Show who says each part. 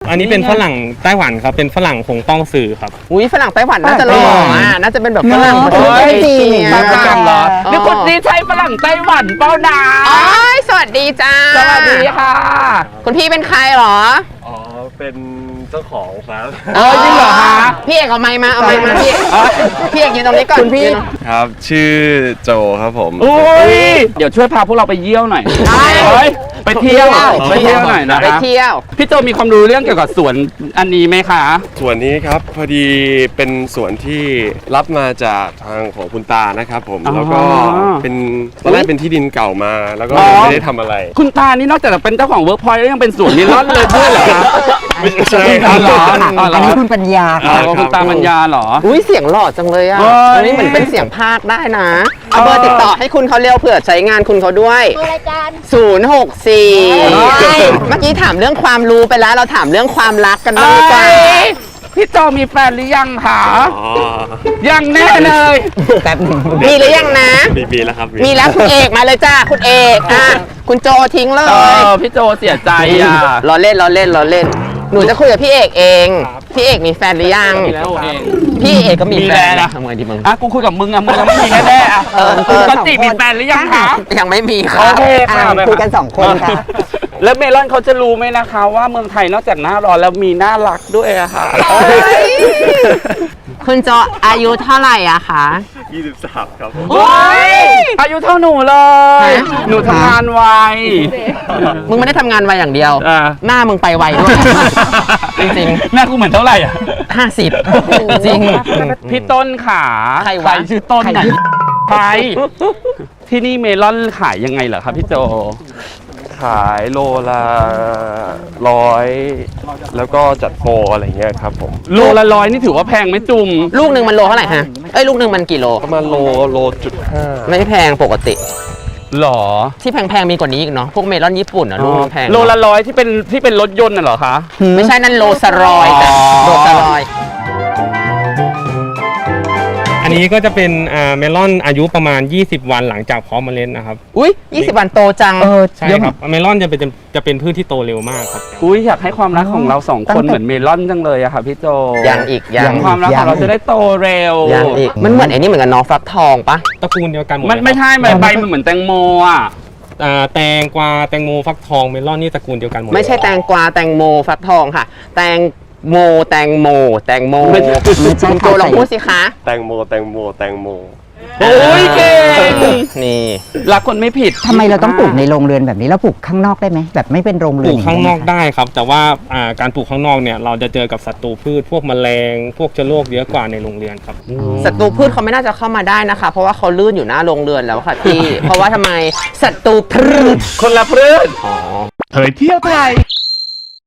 Speaker 1: อันนี้เป็นฝรั่งไต้หวันครับเป็นฝรั่งคงต้องสื่อครับ
Speaker 2: อุ้ยฝรั่งไต้หวันน่าจะหล่อน่าจะเป็นแบบฝรั่งประเทศ
Speaker 3: เฮ้ย
Speaker 2: จีน
Speaker 3: ฝรั่งเหรอนี่คุณนี่ใช่ฝรั่งไต้หวันเป้าดา
Speaker 2: อ๋อสวัสดีจ้า
Speaker 3: สวัสดีค่ะ
Speaker 2: คุณพี่เป็นใครเหรอ
Speaker 4: อ๋อ เป็นเจ้าของครับ
Speaker 3: จริงเหรอคะ
Speaker 2: พี่เอกเอาไมค์มาเอาไมค์มาพี่พี่เอกยืนตรงนี้ก่อนคุณพี่
Speaker 4: ครับ ชื่อโจครับผม
Speaker 3: อุ้ยเดี๋ยวช่วยพาพวกเราไปเยี่ยวหน่อย
Speaker 2: ได้
Speaker 3: เฮ้ยไปเที่ยวไปเที่ยวหน่อยนะ
Speaker 2: ไป
Speaker 3: คะ
Speaker 2: เที่ยว
Speaker 3: พี่โจมีความรู้เรื่องเกี่ยวกับสวนอันนี้ไหมคะ
Speaker 4: ส่วนนี้ครับ พอดีเป็นส่วนที่รับมาจากทางของคุณตานะครับผม แล้วก็เป็นตอนแรกเป็นที่ดินเก่ามา แล้วก็ไม่ได้ทำอะไร
Speaker 3: คุณตานี่นอกจากจะเป็นเจ้าของเวิร์กพอยต์แล้วยังเป็นสวนนิลอนเลยด้วยเหรอคะ
Speaker 4: ไม่ใช่ค
Speaker 3: อ๋
Speaker 4: รั
Speaker 3: อบ เหรออ๋อเหร
Speaker 5: อัน
Speaker 3: อ
Speaker 5: นี้คุณปัญญา
Speaker 3: อ๋อคุณตามัญญาเหรอ
Speaker 2: อุ้ยเสียงหล่อจังเลยอ่ะ
Speaker 3: เฮ้ย
Speaker 2: อันนี้เหมือนเป็นเสียงภาคได้นะเอาเบอร์ติดต่อให้คุณเขาเร็วเผื่อใช้งานคุณเขาด้วย
Speaker 6: รายการ
Speaker 2: 064เมื่อกี้ถามเรื่องความรู้ไปแล้วเราถามเรื่องความรักกันบ้างดีกว่า
Speaker 3: พี่โจมีแฟนหรือยังคะ
Speaker 4: อ๋อ
Speaker 3: ยังแน่เลย
Speaker 5: แป๊บหนึง
Speaker 2: มีหรือยังนะ
Speaker 4: มีแล้วครับ
Speaker 2: มีแล้วคุณเอกมาเลยจ้าคุณเอกอ่ะคุณโจทิ้งเลย
Speaker 3: พี่โจเสียใจอ่ะ
Speaker 2: ล้อเล่นล้อเล่นล้อเล่น หนูจะคุยกับพี่เอกเอง พี่เอกมีแฟนหรือยัง
Speaker 3: มีแล้วเอง
Speaker 2: พี่เอกก็มี
Speaker 3: มี
Speaker 2: แฟ
Speaker 3: แล้ว
Speaker 2: น
Speaker 3: นะ
Speaker 2: ทำไงดีมึง
Speaker 3: อ่ะกูคุยกับมึงอ่ะมึงยังไม่มีแน่ๆอ่ะกติมีแฟนหรือยังคะ
Speaker 2: ยังไม่มีค่ะ
Speaker 3: โอเค
Speaker 5: อ่า
Speaker 3: ค่ะ
Speaker 5: คุยกัน2 คนค่ะ
Speaker 3: แล้วเมลอนเขาจะรู้ไหมนะคะว่าเมืองไทยนอกจากหน้าร้อนแล้วมีน่ารักด้วยอะค่ะ
Speaker 2: คุณโจอายุเท่าไหร่อะคะ
Speaker 4: 23 ครับผม
Speaker 3: โอ้ยอายุเท่าหนูเลย
Speaker 2: ฮะ
Speaker 3: หนูทำงานไว
Speaker 2: มึงไม่ได้ทำงานไวอย่างเดียว
Speaker 3: อ่า
Speaker 2: หน้ามึงไปไวด้วย จริง
Speaker 3: หน้ากูเหมือนเท่าไหร่อ่ะ
Speaker 2: ๆ50 จริง
Speaker 3: พี่ต้นขา
Speaker 2: ใครวะ
Speaker 3: ชื่อต้นไหนไปที่นี่เมลอนขายยังไงเหรอครับพี่โจ
Speaker 4: ขายโลละ100 แล้วก็จัดโปรอะไรเงี้ยครับผม
Speaker 3: โลละ100นี่ถือว่าแพงไหมจุ่ม
Speaker 2: ลูกหนึ่งมันโลเท่าไหร่ฮะเอ้ยลูกหนึ่งมันกี่โล
Speaker 4: ประมาณโลจุด5
Speaker 2: ไม่แพงปกติ
Speaker 3: หรอ
Speaker 2: ที่แพงๆมีกว่านี้อีกเนาะพวกเมลอนญี่ปุ่นอะลูกมันแพง
Speaker 3: โลละ100ที่เป็นรถยนต์น่ะเหรอคะ
Speaker 2: ไม่ใช่นั่นโลสรอยจ้ะ
Speaker 3: อ๋อ
Speaker 2: โลสรอย
Speaker 1: อันนี้ก็จะเป็นเมลอนอายุประมาณ 20 วันหลังจากเพาะเมล็ดนะครับ
Speaker 2: อุ้ย20 วันโตจัง
Speaker 1: ใช่ครับเมลอนจะเป็นพืชที่โตเร็วมากครับ
Speaker 3: อุ้ยอยากให้ความรักของเราสองคนเหมือนเมลอนจังเลยอะค่ะพี่โจ
Speaker 2: ยังอีกยัง
Speaker 3: ความรักของเราจะได้โตเร็ว
Speaker 2: ยังอีกมันเหมือนไอ้นี่เหมือนกับน้องฟักทองปะ
Speaker 1: ตระกูลเดียวกันหมด
Speaker 3: มัน
Speaker 1: เลย
Speaker 3: ไม่
Speaker 1: ครับ
Speaker 3: ใช่ใบมันเหมือนแตงโมอ่ะ
Speaker 1: แตงกวาแตงโมฟักทองเมลอนนี่ตระกูลเดียวกันหมด
Speaker 2: ไม่ใช่แตงกวาแตงโมฟักทองค่ะ แตงโมแตงโมแตงโม
Speaker 3: ไม่ใช่
Speaker 2: คุณโจลองพูดสิคะ
Speaker 4: แตงโม
Speaker 3: โอ้ยเก่ง
Speaker 2: นี่
Speaker 3: รักคนไม่ผิด
Speaker 5: ทำไมเราต้องปลูกในโรงเรือนแบบนี้เราปลูกข้างนอกได้ไหมแบบไม่เป็นโรง
Speaker 1: ป
Speaker 5: เรื
Speaker 1: ลู
Speaker 5: อน
Speaker 1: กข้างนอกได้ครับ แต่ว่าการปลูกข้างนอกเนี่ยเราจะเจอกับศัตรูพืชพวกแมลง พวกเชื้อโรคเยอะกว่าในโรงเรือนครับ
Speaker 2: ศัตรูพืชเขาไม่น่าจะเข้ามาได้นะคะ เพราะว่าเขาลื่นอยู่หน้าโรงเรือนแล้วค่ะพี่ เพราะว่าทำไมศัตรูพืช
Speaker 3: คนละเพื่อน
Speaker 2: อ๋อ
Speaker 3: เผยเที่ยวไทย